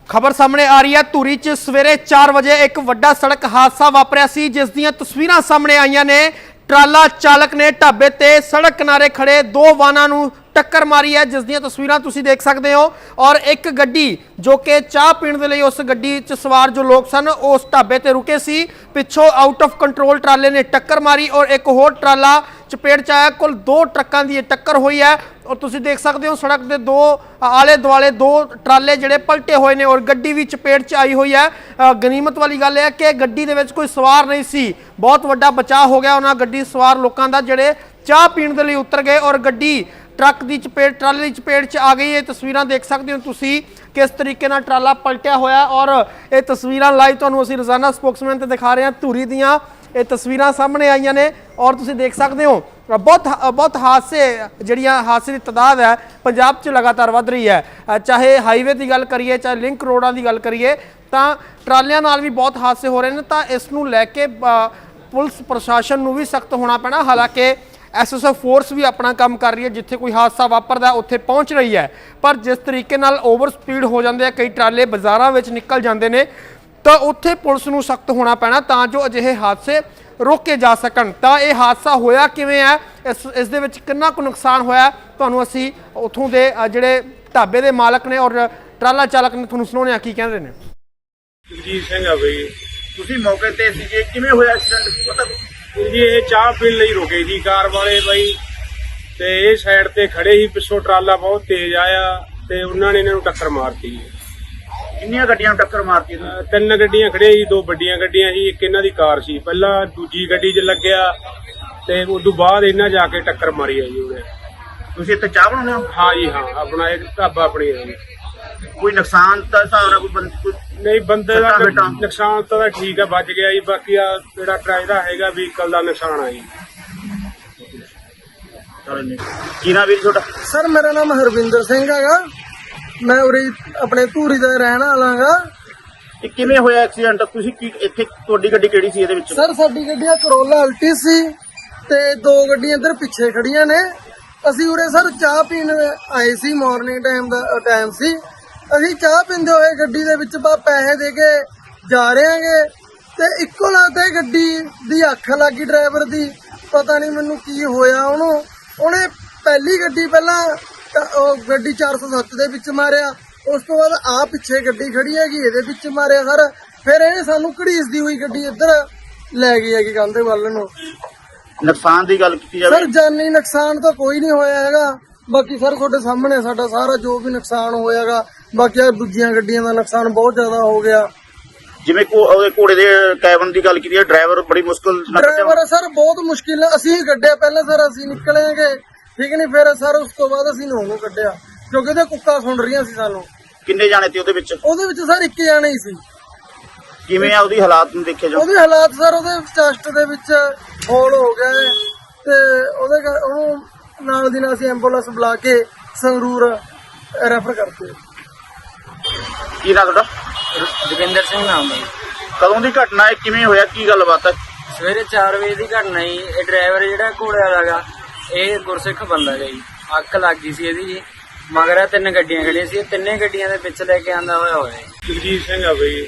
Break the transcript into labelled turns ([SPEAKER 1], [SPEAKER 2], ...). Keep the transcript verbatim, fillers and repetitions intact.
[SPEAKER 1] खबर सामने आ रही है धूरी च सवेरे चार बजे एक वड्डा सड़क हादसा वापरिया सी, जिस दियां तस्वीरां सामने आईयां ने। ट्राला चालक ने ढाबे ते सड़क किनारे खड़े दो वाहनां नूं टक्कर मारी है, जिस दियां तस्वीरां तुसीं देख सकते हो। और एक गड्डी जो कि चाह पीण दे लई उस गड्डी च सवार जो लोग सन उस ढाबे ते रुके सी, पिछों आउट ऑफ कंट्रोल ट्राले ने टक्कर मारी और एक होर ट्राला चपेट च आया। कुल दो ट्रकों की टक्कर हुई है और तुसीं देख सकते हो सड़क के दो आले दुआले दो ट्राले जिहड़े पलटे हुए ने और गड्डी भी चपेट च आई हुई है। गनीमत वाली गल है कि गड्डी दे विच कोई सवार नहीं सी, बहुत वड्डा बचाव हो गया उन्हां गड्डी सवार लोगों का जिहड़े चाह पीण दे लई उतर गए और गड्डी ट्रक की चपेट ट्राले की चपेट च आ गई है। तस्वीरां देख सकते हो तुसीं किस तरीके नाल ट्राला पलटिया होया और ये तस्वीरां लाइव तुहानूं असीं रोजाना स्पोक्समैन ते दिखा रहे हैं। धूरी दियां ये तस्वीरां सामने आईयां ने और तुसीं देख सकते हो बहुत बहुत हादसे जिहड़ियां हादसे की तादाद है पंजाब च लगातार वध रही है। चाहे हाईवे की गल करिए चाहे लिंक रोडां की गल करिए तां ट्रालियां नाल भी बहुत हादसे हो रहे हैं। तां इस नूं लैके पुलिस प्रशासन नूं भी सख्त होना पैना। हालांकि एस एस एफ फोर्स भी अपना काम कर रही है, जिथे कोई हादसा वापरदा उत्थे पहुँच रही है, पर जिस तरीके नाल ओवर स्पीड हो जाते हैं कई ट्राले बाज़ारां विच निकल जाते हैं तो उत्थे पुलिस नूं सख्त होना पैना तां जो अजिहे हादसे रोके जा सकन। तां ये हादसा होया किवें है, इस इस दे विच कितना कुछ नुकसान होया, तुहानूं असीं उत्थों दे जिहड़े ढाबे दे मालक ने और ट्राला चालक ने तुहानूं सुणाउने की कहंदे ने।
[SPEAKER 2] जगजीत सिंह आ बई,
[SPEAKER 3] ਤੁਸੀਂ ਮੌਕੇ ਤੇ ਸੀਗੇ, ਕਿਵੇਂ ਹੋਇਆ ਐਕਸੀਡੈਂਟ ਪਤਾ?
[SPEAKER 2] जी ये चाह पीण लई रुके जी कार वाले बई ते ये साइड ते खड़े ही, पिछों ट्राला बहुत तेज आया ते उन्होंने इन्हां नूं टक्कर मारती।
[SPEAKER 3] ਕਿੰਨੀਆਂ ਗੱਡੀਆਂ ਨੂੰ ਟੱਕਰ ਮਾਰਤੀ?
[SPEAKER 2] ਤਿੰਨ ਗੱਡੀਆਂ ਖੜੀਆਂ ਸੀ, ਦੋ ਵੱਡੀਆਂ ਗੱਡੀਆਂ ਸੀ, ਇੱਕ ਇਹਨਾਂ ਦੀ ਕਾਰ ਸੀ। ਪਹਿਲਾਂ ਦੂਜੀ ਗੱਡੀ 'ਚ ਲੱਗਿਆ ਤੇ ਉਸ ਤੋਂ ਬਾਅਦ ਇਹਨਾਂ ਜਾ ਕੇ ਟੱਕਰ ਮਾਰੀ ਆ ਜੀ ਉਹਨੇ।
[SPEAKER 3] ਤੁਸੀਂ ਇੱਥੇ ਚਾਹ ਬਣਾਉਂਦੇ ਹੋ?
[SPEAKER 2] ਹਾਂ ਜੀ ਹਾਂ, ਆਪਣਾ ਇੱਕ ਢਾਬਾ ਆਪਣੀ ਹੈ ਜੀ।
[SPEAKER 3] ਕੋਈ ਨੁਕਸਾਨ ਤਾਂ ਹਿਸਾਬ ਨਾਲ ਕੋਈ ਬੰਦ ਕੋਈ
[SPEAKER 2] ਨਹੀਂ ਬੰਦੇ ਦਾ
[SPEAKER 3] ਸੱਟਾਂ ਫੇਟਾਂ?
[SPEAKER 2] ਨੁਕਸਾਨ ਤਾਂ ਠੀਕ ਆ, ਬਚ ਗਿਆ ਜੀ। ਬਾਕੀ ਆ ਜਿਹੜਾ ਟਰਾਇਦਾ ਹੈਗਾ ਵਹੀਕਲ ਦਾ ਨੁਕਸਾਨ ਆ ਜੀ।
[SPEAKER 3] ਚਲੋ ਜੀ, ਕੀ ਨਾਮ ਵੀਰ ਤੁਹਾਡਾ?
[SPEAKER 4] सर मेरा नाम हरविंदर सिंह हैगा, मैं उरी अपने धूरी का रहने वाला हाँ।
[SPEAKER 3] ਇਹ ਕਿਵੇਂ ਹੋਇਆ ਐਕਸੀਡੈਂਟ? ਤੁਸੀਂ ਕੀ ਇੱਥੇ ਤੁਹਾਡੀ ਗੱਡੀ ਕਿਹੜੀ ਸੀ ਇਹਦੇ ਵਿੱਚ?
[SPEAKER 4] सर साडी गड्डी करोला अल्टी सी ते दो गड्डियां इधर पिछे खड़ियां ने। असी उरे सर चाह पीण आए सी, मॉर्निंग टाइम दा टाइम सी। असी चाह पींदे होए गड्डी दे विच बा पैसे दे के जा रहे हैं ते इक्को लगता गड्डी दी अख लग गई ड्राइवर दी। पता नहीं मैनू की होया ओनू, ओने पहली गड्डी पहला गड्डी चार सौ सत्त दे विच मारिया, उस तो बाद आ पिछे गड्डी खड़ी हैगी इहदे विच मारिया सर। फिर इहने सानू घड़ीसदी हुई गड्डी इधर लै गई हैगी कंधे वल नूं।
[SPEAKER 3] ਨੁਕਸਾਨ ਦੀ ਗੱਲ ਕੀਤੀ ਜਾਵੇ?
[SPEAKER 4] सर जानी नुकसान तो कोई नहीं होया हैगा, बाकी सर तुहाडे सामने साडा सारा जो भी नुकसान होयागा। बाकी आ दूजियां गड्डियां दा नुकसान बहुत ज्यादा हो गया।
[SPEAKER 3] ਜਿਵੇਂ ਕੋ ਉਹਦੇ ਘੋੜੇ ਦੇ ਕੈਬਨ ਦੀ ਗੱਲ ਕੀਤੀ ਹੈ, ਡਰਾਈਵਰ ਬੜੀ ਮੁਸ਼ਕਲ ਨਾਲ ਕੱਢਿਆ।
[SPEAKER 4] ड्राइवर सर बहुत मुश्किल असीं कड्ढिया, पहले सर असीं निकलेंगे ठीक नहीं, फिर सर उस तो बाद असीं नूं कड्ढिया क्योंकि ਉਹਦੇ ਕੁੱਕਾ ਸੁਣ ਰਹੀਆਂ ਸੀ ਸਾਨੂੰ।
[SPEAKER 3] ਕਿੰਨੇ ਜਾਣੇ ਤੇ ਉਹਦੇ ਵਿੱਚ?
[SPEAKER 4] ਉਹਦੇ ਵਿੱਚ ਸਰ ਇੱਕ ਜਾਣਾ ਹੀ ਸੀ।
[SPEAKER 3] ਕਿਵੇਂ ਆ ਉਹਦੀ ਹਾਲਾਤ ਨੂੰ ਦੇਖਿਆ ਜਾਓ?
[SPEAKER 4] ਉਹਦੇ ਹਾਲਾਤ ਸਰ ਉਹਦੇ ਚੈਸਟ ਦੇ ਵਿੱਚ ਹੋਲ ਹੋ ਗਿਆ ਹੈ ਤੇ ਉਹਦੇ ਕਰ- ਉਹਨੂੰ ਨਾਲ ਦੀ ਨਾਲ ਅਸੀਂ ਐਂਬੂਲੈਂਸ ਬੁਲਾ ਕੇ ਸੰਗਰੂਰ ਰੈਫਰ ਕਰਤੇ।
[SPEAKER 3] ਕੀ ਨਾਮ ਤੁਹਾਡਾ?
[SPEAKER 5] ਜੋਗਿੰਦਰ ਸਿੰਘ ਨਾਮ ਹੈ।
[SPEAKER 3] ਕਦੋਂ ਦੀ ਘਟਨਾ ਹੈ, ਕਿਵੇਂ ਹੋਇਆ, ਕੀ ਗੱਲਬਾਤ ਹੈ?
[SPEAKER 5] ਸਵੇਰੇ ਚਾਰ ਵਜੇ ਦੀ ਘਟਨਾ ਜੀ। ਇਹ ਡਰਾਈਵਰ ਜਿਹੜਾ ਘੋੜੇ ਵਾਲਾ ਗਾ, ਇਹ ਗੁਰਸਿੱਖ ਬੰਦਾ ਗਾ ਜੀ। ਅੱਗ ਲੱਗ ਗਈ ਸੀ ਇਹਦੀ ਜੀ, ਮਗਰ ਤਿੰਨ ਗੱਡੀਆਂ ਖੜੀਆਂ ਸੀ, ਤਿੰਨੇ ਗੱਡੀਆਂ ਦੇ ਵਿੱਚ ਲੈ ਕੇ ਆਂਦਾ ਹੋਇਆ ਹੋਇਆ।
[SPEAKER 2] ਜਗਜੀਤ ਸਿੰਘ ਆ ਬਈ।